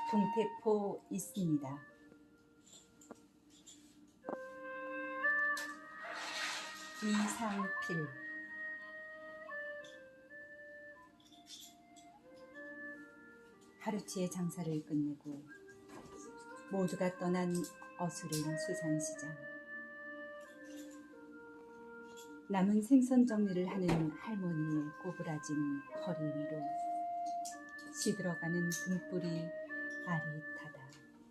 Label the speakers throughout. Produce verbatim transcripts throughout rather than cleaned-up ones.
Speaker 1: 동태포 있습니다. 이상필. 하루치의 장사를 끝내고 모두가 떠난 어수른 수산시장. 남은 생선 정리를 하는 할머니의 꼬부라진 허리 위로 시들어가는 등불이 아릿하다.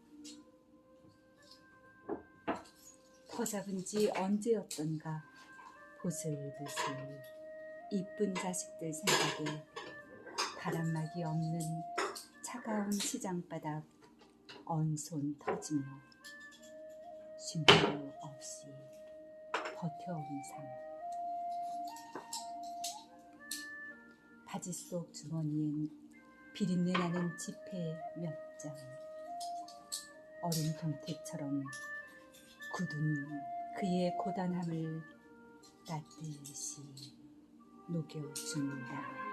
Speaker 1: 터잡은 지 언제였던가 보슬보슬 이쁜 자식들 생각에 바람막이 없는 차가운 시장바닥 언손 터지며 쉼표 없이 버텨온 삶. 바지 속 주머니엔 비린내 나는 지폐 몇 장. 어린 동태처럼 굳은 그의 고단함을 따뜻이 녹여줍니다.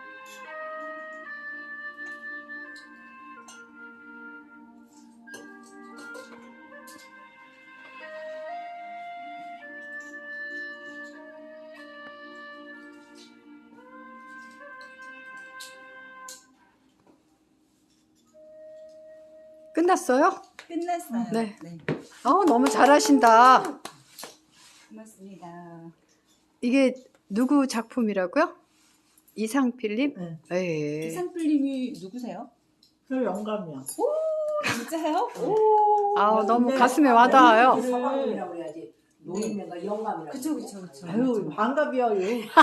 Speaker 2: 끝났어요?
Speaker 1: 끝났어요.
Speaker 2: 네.
Speaker 1: 네.
Speaker 2: 어, 너무 잘하신다.
Speaker 1: 고맙습니다.
Speaker 2: 이게 누구 작품이라고요? 이상필님?
Speaker 3: 네.
Speaker 2: 예.
Speaker 1: 이상필님이 누구세요?
Speaker 3: 저 영감이야.
Speaker 1: 진짜요?
Speaker 3: 오.
Speaker 2: 아우, 너무 가슴에 와닿아요.
Speaker 4: 성함이라고 그래야지. 노인네가 영감이라고.
Speaker 1: 그쵸, 그쵸, 그쵸.
Speaker 3: 아유, 반갑이요.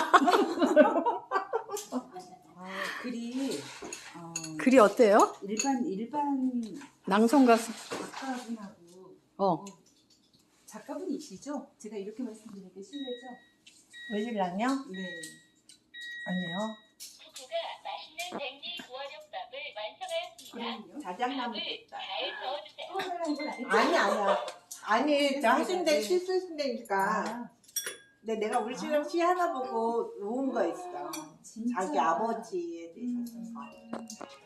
Speaker 1: 아, 글이 어,
Speaker 2: 글이 어때요?
Speaker 1: 일반 일반
Speaker 2: 낭송 가수.
Speaker 1: 작가분하고
Speaker 2: 어.
Speaker 1: 작가분이시죠? 제가 이렇게 말씀드리기 실례죠?
Speaker 3: 외실랑요?
Speaker 1: 네.
Speaker 3: 아니요.
Speaker 5: 부부가 맛있는 냉리 구워족밥을 완성하였습니다.
Speaker 1: 그럼요.
Speaker 3: 자작나무
Speaker 5: 밥을
Speaker 3: 됐다.
Speaker 5: 잘 저어주세요.
Speaker 1: 또 하려는 건 아니죠?
Speaker 3: 아니, 아니야. 아니, 저 하신데
Speaker 1: 네.
Speaker 3: 실수신다니까.
Speaker 1: 아,
Speaker 3: 근데 내가 우리 지금 시 하나 보고 놓은 거 있어.
Speaker 1: 진짜.
Speaker 3: 자기 아버지에 대해서
Speaker 1: 음.
Speaker 3: 쓴 거.